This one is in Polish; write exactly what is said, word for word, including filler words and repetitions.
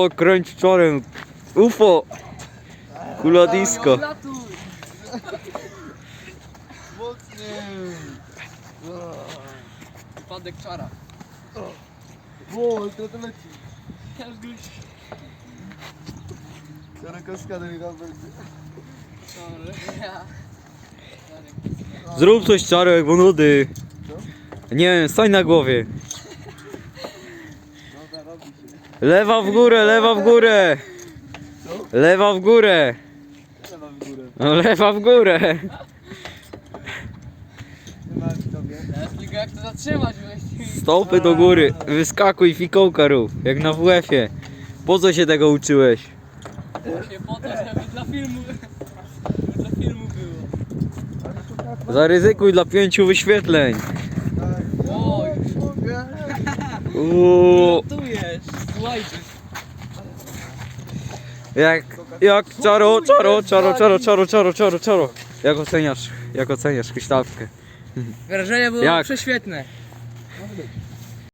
O, kręć czorem. U F O. Kula disco. Mocniej. Wypadek czara. O, to to leci. Czara kaskada mi tam będzie. Zrób coś Czarek, bo nudy. Nie wiem, stań na głowie. Dobra, robi się. Lewa w górę, lewa w górę. Lewa w górę. Trzeba w górę. No, lewa w górę. Nie ma w tobie. Teraz tylko jak to zatrzymać właściwie. Stopy do góry. Wyskakuj, fikołka rób. Jak na W F-ie. Po co się tego uczyłeś? Właśnie po to, żeby dla filmu... Żeby dla filmu było. Zaryzykuj dla pięciu wyświetleń. Oj, Mogę. Uuu. tu jest. Słuchajcie. Jak, jak czaro, czaro, czaro, czaro, czaro, czaro, czaro, czaro. Jak oceniasz, jak oceniasz huśtawkę? Wrażenie było Jak? prześwietne.